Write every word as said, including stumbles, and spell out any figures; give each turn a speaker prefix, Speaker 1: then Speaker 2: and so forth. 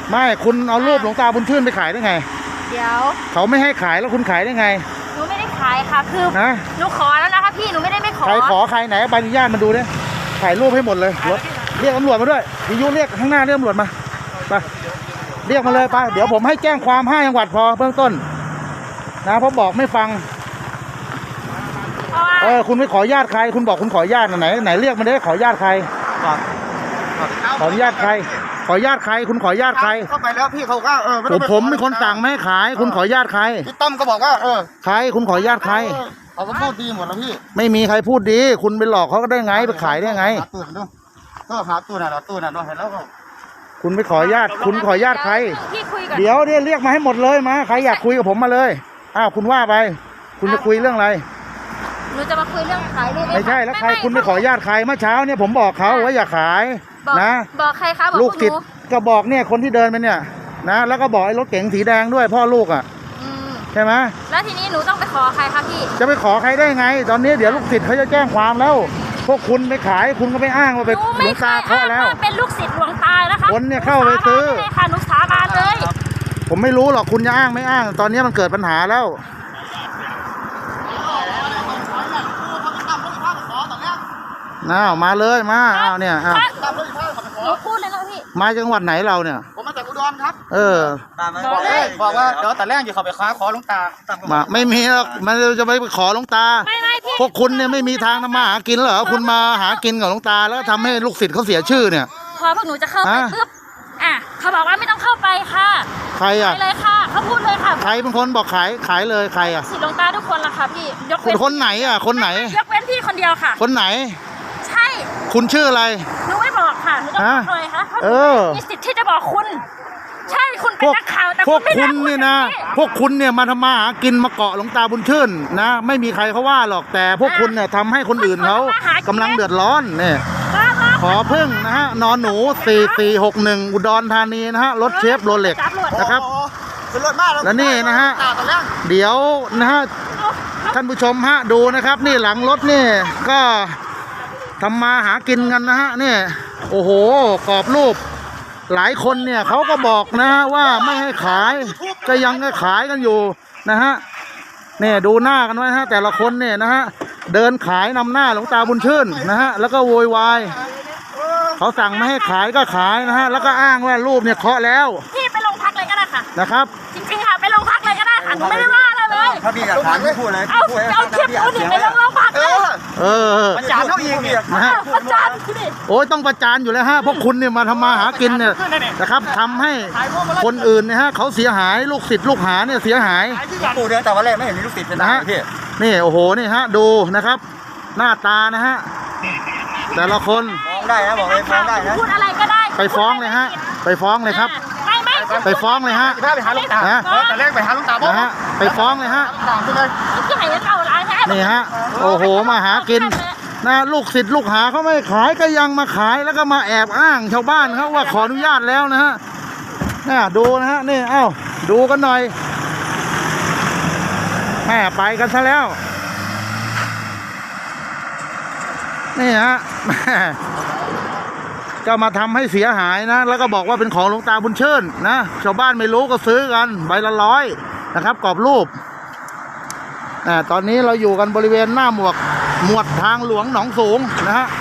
Speaker 1: ไม่คุณเอารูปหลวงตาบุญชื่นไปขายได้ไง
Speaker 2: เดี๋ยว
Speaker 1: เขาไม่ให้ขายแล้วคุณขายได้ไง
Speaker 2: หนูไม่ได้ขายค่ะคือหนูขอแล้วนะคะพี่หนูไม่ได้ไม่ขอ
Speaker 1: ใครขอใครไหนใบอนุญาตมาดูเนี่ยถ่ายรูปให้หมดเลยรถเรียกตำรวจมาด้วยวิทยุเรียกข้างหน้าเรียกตำรวจมาไปเรียกมาเลยไปเดี๋ยวผมให้แจ้งความห้าจังหวัดพอเบื้องต้นนะเพราะบอกไม่ฟังเออคุณไม่ขอญาติใครคุณบอกคุณขอญาติไหนไหนเรียกมาได้ขอญาติใครขอญาติใครขอญาติใครคุณขอญาติใคร
Speaker 3: เข้าไปแล้วพี่เขาก็เออ
Speaker 1: ผมผมเป็นคนสั่งไม่ให้ขายคุณขอญาติใคร
Speaker 3: พี่ต้อมก็บอกว่าเออ
Speaker 1: ใครคุณขอญาติใคร
Speaker 3: เขาก็พูดดีหมดแล้วพี่
Speaker 1: ไม่มีใครพูดดีคุณไปหลอกเขาก็ได้ไงไปขายได้ไง
Speaker 3: ก็หาตู้น่ะตู้น่ะเราเห็นแล้วก็
Speaker 1: คุณไปขอญาติคุณขอญาติใครเดี๋ยวเนี่ยเรียกมาให้หมดเลยมาใครอยากคุยกับผมมาเลยอ้าวคุณว่าไปคุณจะคุยเรื่องอะไร
Speaker 2: หนูจะมาคุยเรื่องขายรูป
Speaker 1: ไม่ใช่แล้วใครคุณไปขอญาติใครเมื่อเช้าเนี่ยผมบอกเขาว่าอย่าขายนะ
Speaker 2: บอกใครคะ
Speaker 1: ลูกติดก็บอกเนี่ยคนที่เดินไปเนี่ยนะแล้วก็บอกไอ้รถเก๋งสีแดงด้วยพ่อลูกอ่ะใช่ไหม
Speaker 2: แล้วทีนี้หนูต้องไปขอใครคะพี่
Speaker 1: จะไปขอใครได้ไงตอนนี้เดี๋ยวลูกศิษย์เขาจะแจ้งความแล้วพวกคุณไปขายคุณก็ไปอ้างว่าไปหลวงตาเคาะแล้ว
Speaker 2: เป็นลูกศิษย์หลวงตานะคะ
Speaker 1: คนเนี่ยเข้าไปซื้อ
Speaker 2: ค่ะหนูสาบานเลย
Speaker 1: ผมไม่รู้หรอกคุณจะอ้างไม่อ้างตอนนี้มันเกิดปัญหาแล้วน้ามาเลยมาอ้าวเนี่ยอ้าว
Speaker 2: พูดเลยนะพี่
Speaker 1: มาจังหวัดไหนเราเนี่ย
Speaker 3: ผมมาจากอุดรครับ
Speaker 1: เออ
Speaker 3: บอกเลยบอกว่าเดี๋ยวแต่แรกอยู่เขาไปค้าขอหลวงตา
Speaker 1: มาไม่มีหรอกมันจะไปขอหลวงตาพวกคุณเนี่ยไม่มีทางทำมาหากินเหรอคุณมาหากินกับหลวงตาแล้วทำให้ลูกศิษย์เขาเสียชื่อเนี่ย
Speaker 2: พอพวกหนูจะเข้าไปปุ๊บอ่ะเขาบอกว่าไม่ต้องเข้าไปค่ะ
Speaker 1: ใครอ่ะ
Speaker 2: เลยค่ะเขาพูดเลยค่ะ
Speaker 1: ใครเป็นคนบอกขายขายเลยใครอ่ะ
Speaker 2: ศิษย์หลวงตาทุกคนละค่ะพี่
Speaker 1: ยกเว้นคนไหนอ่ะคนไหน
Speaker 2: ยกเว้นพี่คนเดียวค่ะ
Speaker 1: คนไหน
Speaker 2: ใช่
Speaker 1: คุณชื่ออะไร
Speaker 2: หนูไม่บอกค่ะหนูต้องบอกเลยค่ะ
Speaker 1: เออ
Speaker 2: มีสิทธิ์ที่จะบอกคุณใช่คุณเป็นนักข่าวแต่
Speaker 1: พวกคุณนี่นะพวกคุณเนี่ยมาทำมาหากินมาเกาะหลวงตาบุญชื่นนะไม่มีใครเขาว่าหรอกแต่พวกคุณเนี่ยทำให้คนอื่นเขากำลังเดือดร้อนเนี่ยขอพึ่งนะฮะนอนหนูสี่สี่หกหนึ่งอุดรธานีนะฮะรถเชฟโรเล็กนะครับแล้วนี่นะฮะเดี๋ยวนะฮะท่านผู้ชมฮะดูนะครับนี่หลังรถนี่ก็ทำมาหากินกันนะฮะนี่โอ้โหกรอบรูปหลายคนเนี่ยเขาก็บอกนะฮะว่าไม่ให้ขายก็ยังก็ขายกันอยู่นะฮะเนี่ยดูหน้ากันไว้ฮะแต่ละคนเนี่ยนะฮะเดินขายนำหน้าหลวงตาบุญชื่นนะฮะแล้วก็โวยวายเขาสั่งไม่ให้ขายก็ขายนะฮะแล้วก็อ้างว่ารูปเนี่ยเคาะแล้ว
Speaker 2: พี่ไปโรงพักเลยก็ได้ค่ะ
Speaker 1: นะครับ
Speaker 2: จริงๆค่ะไปโรงพักเลยก็ได้ค่ะหนูไม่ได้ว่าอะไรเลย
Speaker 3: ถ้าพี่อยากถามพี่พูดเลย
Speaker 2: เอาเอาคลิปดูดิไปโรงพักเลย
Speaker 1: เออ
Speaker 3: ประจานเขาอีก
Speaker 1: นะฮะ
Speaker 2: ประจานดิ
Speaker 1: โอ้ยต้องประจานอยู่แล้วฮะพวกคุณเนี่ยมาทำมาหากินเนี่ยนะครับทำให้คนอื่นเนี่ยฮะเขาเสียหายลูกศิษย์ลูกหาเนี่ยเสียหาย
Speaker 3: ปู่เดินแต่วันแรกไม่เห็นมีลูกศิษย์เลยนะฮะ
Speaker 1: นี่โอ้โหนี่ฮะดูนะครับหน้าตานะฮะแต่ละคน
Speaker 3: ฟ้องได้นะบอกเลยฟ้องได้นะ
Speaker 2: พูดอะไรก็ได้
Speaker 1: ไปฟ้องเลยฮะไปฟ้องเลยครับ
Speaker 2: ไม่ไม่
Speaker 1: ไปฟ้องเลยฮะ
Speaker 3: ไปหาลูกตาแต่แรกไปหาลูกตา
Speaker 1: นะฮะไปฟ้องเลยฮะนี่ฮะโอ้โหมาหากินนะลูกศิษย์ลูกหาเขาไม่ขายก็ยังมาขายแล้วก็มาแอบอ้างชาวบ้านเขาว่าขออนุญาตแล้วนะฮะเนี่ยดูนะฮะนี่เอ้าดูกันหน่อยแม่ไปกันซะแล้วนี่ฮะก็มาทำให้เสียหายนะแล้วก็บอกว่าเป็นของหลวงตาบุญชื่นนะชาวบ้านไม่รู้ก็ซื้อกันใบละร้อยนะครับกรอบรูปอ่าตอนนี้เราอยู่กันบริเวณหน้าหมวกหมวดทางหลวงหนองสูงนะฮะ